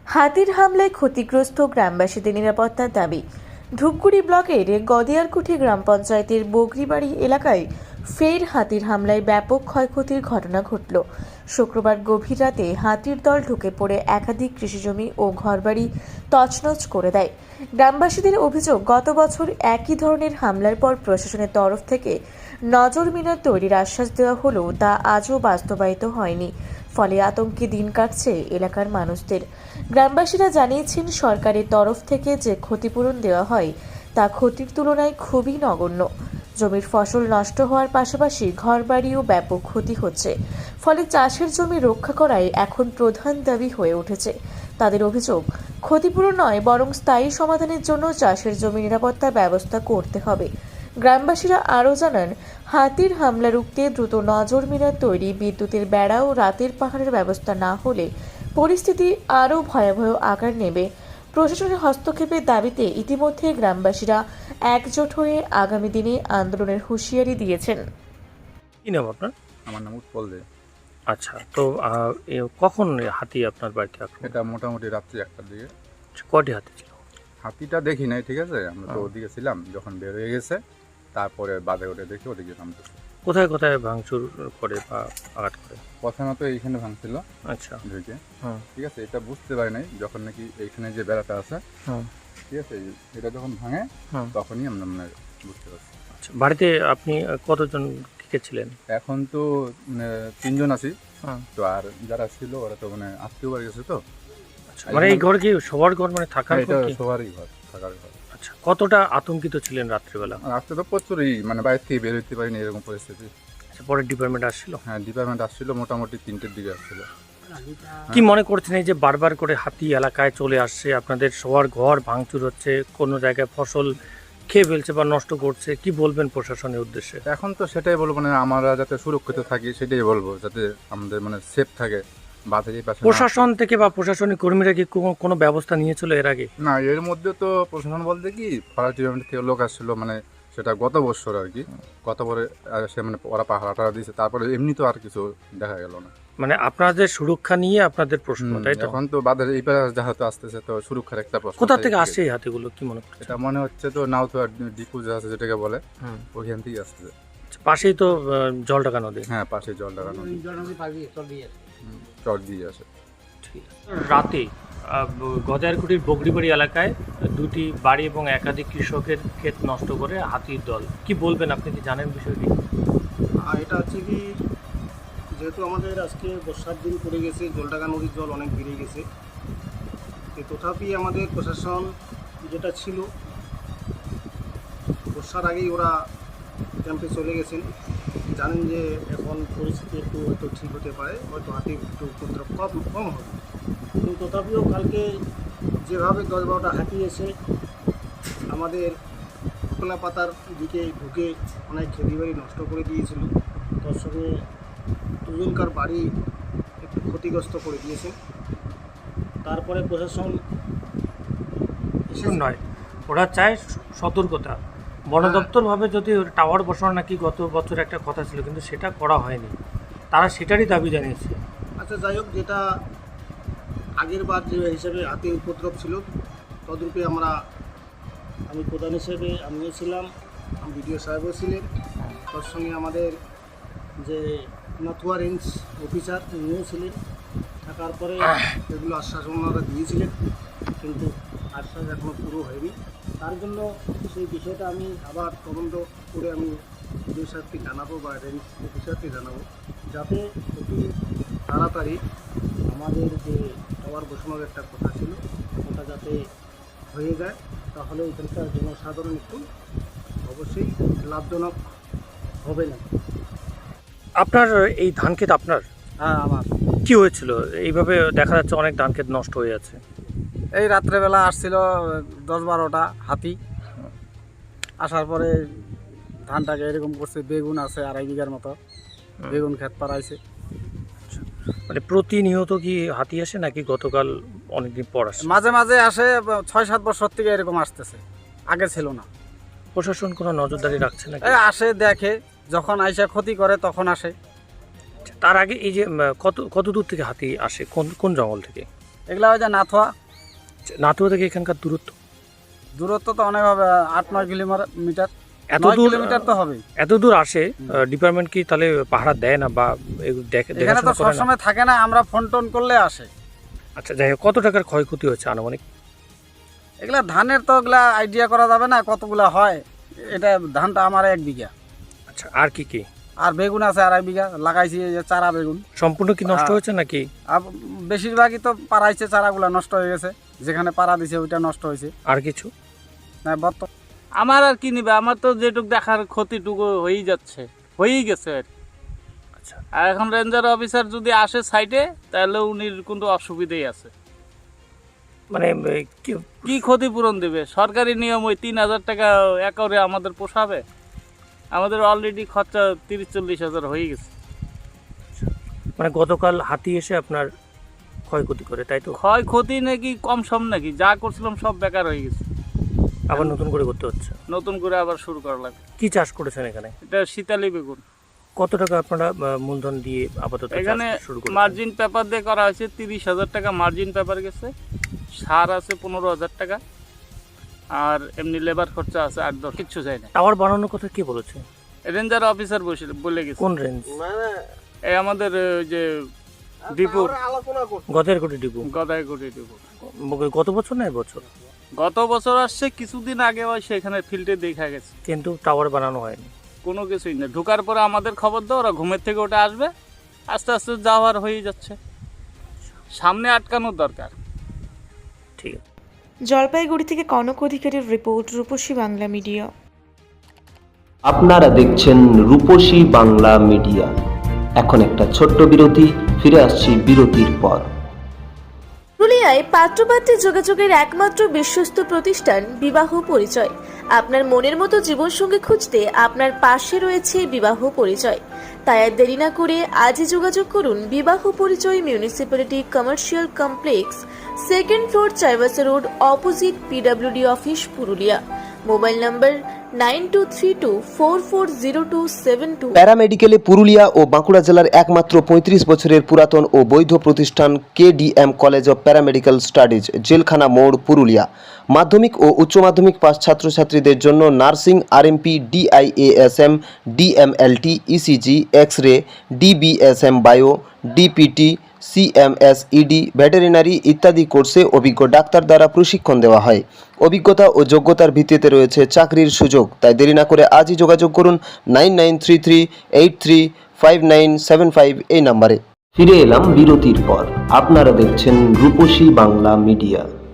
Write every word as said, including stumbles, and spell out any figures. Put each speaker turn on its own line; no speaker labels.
হাতির হামলায় ক্ষতিগ্রস্ত গ্রামবাসীদের নিরাপত্তার দাবি। ধূপগুড়ি ব্লকের গদিয়ারকুঠি গ্রাম পঞ্চায়েতের বগরিবাড়ি এলাকায় ফের হাতির হামলায় ব্যাপক ক্ষয়ক্ষতির ঘটনা ঘটল। শুক্রবার গভীর রাতে হাতির দল ঢুকে পড়ে একাধিক কৃষিজমি ও ঘরবাড়ি তছনছ করে দেয়। গ্রামবাসীদের অভিযোগ, গত বছর একই ধরনের হামলার পর প্রশাসনের তরফ থেকে নজর মিনার তৈরির আশ্বাস দেওয়া হলেও তা আজও বাস্তবায়িত হয়নি। ফলে আতঙ্কে দিন কাটছে এলাকার মানুষদের। গ্রামবাসীরা জানিয়েছেন, সরকারের তরফ থেকে যে ক্ষতিপূরণ দেওয়া হয় তা ক্ষতির তুলনায় খুবই নগণ্য। জমির ফসল নষ্ট হওয়ার পাশাপাশি ঘরবাড়িও ব্যাপক ক্ষতি হচ্ছে। ফলে চাষের জমি রক্ষা করাই এখন প্রধান দাবি হয়ে উঠেছে। তাদের অভিযোগ, ক্ষতিপূরণ নয় বরং স্থায়ী সমাধানের জন্য চাষের জমি নিরাপত্তার ব্যবস্থা করতে হবে। গ্রামবাসীরা আরও জানান, হাতির হামলা রুখতে দ্রুত নজর মিনার তৈরি, বিদ্যুতের বেড়া ও রাতের পাহাড়ের ব্যবস্থা না হলে পরিস্থিতি আরও ভয়াবহ আকার নেবে। প্রশাসনের হস্তক্ষেপের দাবিতে ইতিমধ্যে গ্রামবাসীরা একজোট হয়ে আগামী দিনে আন্দোলনের হুঁশিয়ারি দিয়েছেন।
কি নাম আপনার?
আমার নাম উৎপল দে।
আচ্ছা, তো আহ, এ কখন হাতি আপনার বাড়িতে আক্রমণ?
এটা মোটামুটি রাত্রি একটার দিকে।
কটি হাতি ছিল?
হাতিটা দেখি নাই, ঠিক আছে, আমরা তো
হ্যাঁ।
ওদিকে ছিলাম, যখন বের হয়ে গেছে তারপরে বাদে ওঠে দেখি ওদিকে নামতেছে।
কোথায় কোথায় ভাঙচুর করে বা আঘাত করে?
প্রথমে তো এইখানে ভাঙছিল
আচ্ছা,
ঢুকে,
হ্যাঁ
ঠিক আছে, এটা বুঝতে পারি নাই যখন নাকি এইখানে যে বেড়াটা আছে,
হ্যাঁ
ঠিক আছে, এটা যখন ভাঙে
হ্যাঁ।
তখনই আমরা মানে বুঝতে পারছি।
আচ্ছা, বাড়িতে আপনি কতজন কে ছিলেন?
এখন তো মানে তিনজন আছি,
হ্যাঁ।
তো আর যারা ছিল ওরা তো মানে আত্মীয় বাড়ি গেছে তো।
আচ্ছা, মানে এই ঘর কি সবার ঘর, মানে থাকার
এটা
ঘর কি?
সবারই ঘর, থাকার ঘর।
আচ্ছা, কতটা আতঙ্কিত ছিলেন রাত্রিবেলা?
রাস্তা তো প্রচুরই, মানে বাইরে থেকে বের হইতে পারিনি এরকম পরিস্থিতি।
আচ্ছা, পরে ডিপার্টমেন্ট আসছিল?
হ্যাঁ, ডিপার্টমেন্ট আসছিল মোটামুটি তিনটের দিকে আসছিল।
কি মনে করছেন এই যে বারবার করে হাতি এলাকায় চলে আসছে, আপনাদের সবার ঘর ভাঙচুর হচ্ছে, কোনো জায়গায় ফসল খেয়ে ফেলছে বা নষ্ট করছে, কি বলবেন প্রশাসনের উদ্দেশ্যে?
এখন তো সেটাই বলবো, মানে আমরা যাতে সুরক্ষিত থাকি সেটাই বলবো, যাতে আমাদের মানে সেফ থাকে, বাধা এই পাশে না-
প্রশাসন থেকে বা প্রশাসনিক কর্মীরা কি কোনো- কোনো ব্যবস্থা নিয়েছিল এর আগে?
না, এর মধ্যে তো প্রশাসন বলতে কি ফরেস্ট ডিপার্টমেন্ট থেকে লোক আসছিল, মানে সেটা গত বছর আর কি, গত পরে সে মানে ওরা পাহাড় টাড়া দিয়েছে, তারপরে এমনি তো আর কিছু দেখা গেল না।
মানে আপনাদের সুরক্ষা নিয়ে আপনাদের প্রশ্ন,
হুম,
তাই তো?
এখন তো বাদের এই পাশে যেহেতু আসতেছে তো সুরক্ষার একটা প্রশ্ন।
কোথা থেকে
থাকে।
আসে এই হাতিগুলো, কি মনে করছে?
এটা মনে হচ্ছে তো নাউথুয়া ডিপু যে আছে যেটাকে বলে,
হুম।
ওইখান থেকে আসতেছে।
আচ্ছা, পাশেই তো আহ, জলঢাকা নদী।
হ্যাঁ, পাশে জল লাগানো, চট দিয়ে আসে।
ঠিক আছে। রাতে গজারকুটির বগরিবাড়ি এলাকায় দুটি বাড়ি এবং একাধিক কৃষকের ক্ষেত নষ্ট করে হাতির দল, কি বলবেন, আপনি কি জানেন বিষয়টি?
আর এটা হচ্ছে কি, যেহেতু আমাদের আজকে বর্ষার দিন পড়ে গেছে, জলঢাকা নদীর জল অনেক বেড়ে গেছে, তো তথাপি আমাদের প্রশাসন যেটা ছিল বর্ষার আগেই ওরা ক্যাম্পে চলে গেছেন। জানেন যে এখন পরিস্থিতি একটু হয়তো ঠিক হতে পারে, হয়তো হাতির একটু উপদ্রব কম কম হবে, কিন্তু তথাপিও কালকে যেভাবে দশ বারোটা হাতি এসে আমাদের খোলা পাতার দিকে ঢুকে অনেক খেতি বাড়ি নষ্ট করে দিয়েছিল, তার সঙ্গে দুজনকার বাড়ি একটু ক্ষতিগ্রস্ত করে দিয়েছেন। তারপরে প্রশাসন
এসব নয়, ওরা চায় সতর্কতা। বন দপ্তর ভাবে যদি টাওয়ার বসানো নাকি গত বছর একটা কথা ছিল, কিন্তু সেটা করা হয়নি, তারা সেটারই দাবি জানিয়েছে।
আচ্ছা, যাই হোক, যেটা আগের বার যে হিসেবে হাতির উপদ্রব ছিল তদ্রূপে আমরা, আমি প্রধান হিসেবে আমিও ছিলাম, বিডিও সাহেবও ছিলেন, তার সঙ্গে আমাদের যে নাথুয়া রেঞ্জ অফিসার উনিও ছিলেন। থাকার পরে এগুলো আশ্বাস ওনারা দিয়েছিলেন, কিন্তু আশ্বাস এখনও পুরো হয়নি। তার জন্য সেই বিষয়টা আমি আবার তদন্ত করে আমি বিডিও সাহেবকে জানাবো বা রেঞ্জ অফিসারকে জানাবো, যাতে অতি তাড়াতাড়ি আমাদের যে টাওয়ার বসানোর একটা কথা ছিল ওটা যাতে হয়ে যায়, তাহলে ওইখানকার জনসাধারণ একটু অবশ্যই লাভজনক হবে না।
আপনার এই ধান ক্ষেত আপনার?
হ্যাঁ, আমার।
কি হয়েছিল এইভাবে দেখা যাচ্ছে অনেক ধান ক্ষেত নষ্ট হয়ে যাচ্ছে?
এই রাত্রেবেলা আসছিল দশ বারোটা হাতি, আসার পরে ধানটাকে এরকম করছে, বেগুন আছে আড়াই বিঘার মতো, বেগুন ক্ষেত পাড়াইছে।
মানে প্রতিনিয়ত কি হাতি আসে নাকি গতকাল অনেকদিন পর আসে?
মাঝে মাঝে আসে, ছয় সাত বছর থেকে এরকম আসতেছে, আগে ছিল না।
প্রশাসন কোনো নজরদারি রাখছে নাকি?
এই আসে, দেখে, যখন আইসা ক্ষতি করে তখন আসে।
তার আগে এই যে উম, কত কত দূর থেকে হাতি আসে, কোন কোন জঙ্গল থেকে?
এগুলা ওই যে নাথুয়া।
নাথুয়া থেকে এখানকার দূরত্ব
দূরত্ব তো অনেক হবে, আট নয় কিলোমিটার।
এত
নয়
দূর
কিলোমিটার তো হবেই।
এত দূর আসে, ডিপার্টমেন্ট কি তাহলে পাহারা দেয় না বা এগুলো দেখে
এখানে তো
দেখাশোনা করে না?
সবসময় থাকে না, আমরা ফোন টোন করলে আসে।
আচ্ছা, যাই হোক, কত টাকার ক্ষয়ক্ষতি হচ্ছে আনুমানিক?
এগুলা ধানের তো এগুলা আইডিয়া করা যাবে না কতগুলা হয়। এটা ধানটা আমার এক বিঘা,
আচ্ছা, আর কি কি?
আর বেগুন আছে আড়াই বিঘা, লাগাইছি এই যে চারা বেগুন।
সম্পূর্ণ কি নষ্ট
আ-
হয়েছে নাকি?
আর বেশিরভাগই তো পাড়াইছে, চারাগুলা নষ্ট হয়ে গেছে, যেখানে পাড়া দিছে ওইটা নষ্ট হয়েছে।
আর কিছু?
না বর্তমান
আমার আর কি নিবে, আমার তো যেটুক দেখার ক্ষতিটুকু হয়েই যাচ্ছে, হয়েই গেছে আর কি।
আচ্ছা,
আর এখন রেঞ্জার অফিসার যদি আসে সাইডে, তাহলে উনির কিন্তু অসুবিধাই আছে।
মানে এ, কি-
কি ক্ষতিপূরণ দেবে? সরকারি নিয়ম ওই তিন হাজার টাকা একরে আমাদের পোষাবে? আমাদের অলরেডি খরচা তিরিশ চল্লিশ হাজার হয়ে গেছে।
মানে গতকাল হাতি এসে আপনার ক্ষয়ক্ষতি করে, তাই তো?
ক্ষয়ক্ষতি নাকি কম সম নাকি, যা করছিলাম সব বেকার হয়ে গেছে।
আবার নতুন করে করতে হচ্ছে।
নতুন করে আবার শুরু করা লাগবে।
কি চাষ করেছেন এখানে?
এটা শীতালি বেগুন।
কত টাকা আপনারা আহ, মূলধন দিয়ে আপাতত চাষ
এখানে
শুরু করেছেন?
মার্জিন পেপার দিয়ে করা হয়েছে, তিরিশ হাজার টাকা মার্জিন পেপার গেছে, সার আছে পনেরো হাজার টাকা, আর এমনি লেবার খরচা আছে আট দশ, কিচ্ছু চাই না।
টাওয়ার বানানোর কথা কে বলেছে?
রেঞ্জার অফিসার বসে বলে গেছে।
কোন রেঞ্জ?
এই আমাদের ওই যে ডিপো,
আলোচনা করছি।
গদের কোটি ডিপু?
গদাইগুড়ি ডিপো।
গত বছর না বছর?
গত বছর আসছে, কিছুদিন আগে ওই সেখানে ফিল্ডে দেখা গেছে।
কিন্তু টাওয়ার বানানো হয়নি।
কোনো কিছুই না, ঢোকার পরে আমাদের খবর দাও, ওরা ঘুমের থেকে ওটা আসবে, আস্তে আস্তে যাওয়ার হয়ে যাচ্ছে। সামনে আটকানোর দরকার।
ঠিক আছে।
জলপাইগুড়ি থেকে কনক অধিকারীর রিপোর্ট, রূপসী বাংলা মিডিয়া।
আপনারা দেখছেন রূপসী বাংলা মিডিয়া। এখন একটা ছোট্ট বিরতি, ফিরে আসছি বিরতির পর।
পুরুলিয়ায় পাত্রপাত্রে যোগাযোগের একমাত্র বিশ্বস্ত প্রতিষ্ঠান বিবাহ পরিচয়। আপনার মনের মতো জীবনসঙ্গী খুঁজতে আপনার পাশে রয়েছে বিবাহ পরিচয়। তাই আর দেরি না করে আজই যোগাযোগ করুন বিবাহ পরিচয়, municipality commercial complex, second floor, Chaibasa road, opposite PWD office, Purulia. Mobile number nine two three two four four zero two seven two.
প্যারামেডিকেলে পুরুলিয়া ও বাঁকুড়া জেলার একমাত্র পঁয়ত্রিশ বছরের পুরাতন ও বৈধ প্রতিষ্ঠান KDM college of paramedical studies, জেলখানা মোড়, পুরুলিয়া। মাধ্যমিক ও উচ্চ মাধ্যমিক পাস ছাত্রছাত্রীদের জন্য nursing, RMP, DIASM, DMLT, ECG, X ray, DBSM bio, DPT, CMS, ED, veterinary ইত্যাদি কোর্সে অভিজ্ঞ ডাক্তার দ্বারা প্রশিক্ষণ দেওয়া হয়। অভিজ্ঞতা ও যোগ্যতার ভিত্তিতে রয়েছে চাকরির সুযোগ। তাই দেরি না করে আজই যোগাযোগ করুন nine nine three three eight three five nine seven five এই নাম্বারে। ফিরে এলাম বিরতির পর। আপনারা দেখছেন রূপসী বাংলা মিডিয়া।